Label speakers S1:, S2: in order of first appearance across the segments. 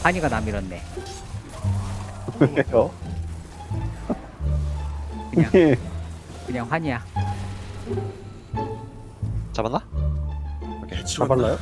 S1: 한이가 나 밀었네.
S2: 왜요?
S1: 그냥 환이야.
S3: 잡았나?
S2: 잡았나요?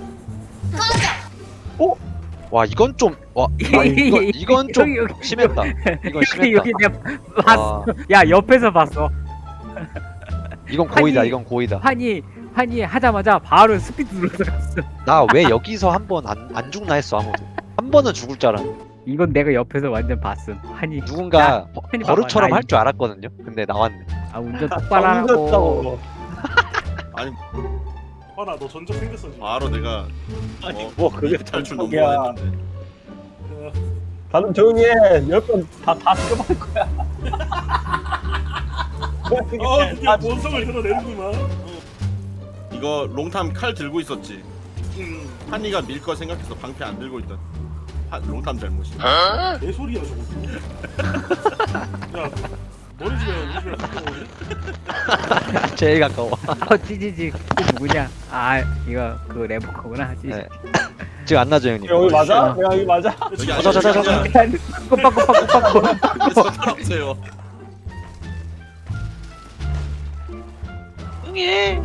S3: 와 이건 좀 와 이건 좀
S1: 여기,
S3: 심했다. 이건 심했다.
S1: 여기 내가 봤어. 야 옆에서 봤어.
S3: 이건 고의다.
S1: 아니,
S3: 이건 고의다.
S1: 환이 하자마자 바로 스피드 눌러서 갔어.
S3: 나 왜 여기서 한 번 안 죽나 했어 아무도. 한 번은 죽을 줄 알았는데
S1: 이건 내가 옆에서 완전 봤음. 환이
S3: 누군가
S1: 아니,
S3: 버릇처럼
S1: 봐봐,
S3: 할 줄 알았거든요. 근데 나왔네.
S1: 아 운전 똑바로 하라고.
S4: 아니
S5: 봐라 너 전적 생겼어 지금.
S4: 바로 내가
S2: 뭐 그게
S4: 탈출
S2: 전적이야.
S4: 넘어했는데
S2: 다들 조용히 해. 10번 다 죽여버릴 거야.
S5: 드디어 본성을 드러내는구만.
S4: 이거 롱탐 칼 들고 있었지. 한이가 밀 거 생각해서 방패 안 들고 있던 롱탐 잘못이야.
S5: 내 소리야 저거. 야 너네 집에 우리 집에 가까워지?
S3: 제일 가까워.
S1: 찌지지 그 누구냐? 아 이거 그 레버커구나. 찌지.
S3: 네. 지금 안 나죠 형님?
S2: 여기 맞아? 야, 여기 맞아?
S4: 여기
S3: 자.
S1: 꼬박꼬박꼬박꼬.
S4: 상관없어요.
S3: 응애.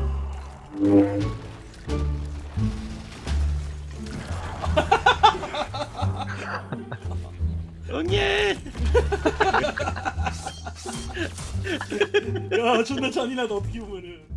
S4: 응애.
S5: 야 존나 잔인하다 어떻게 보면은.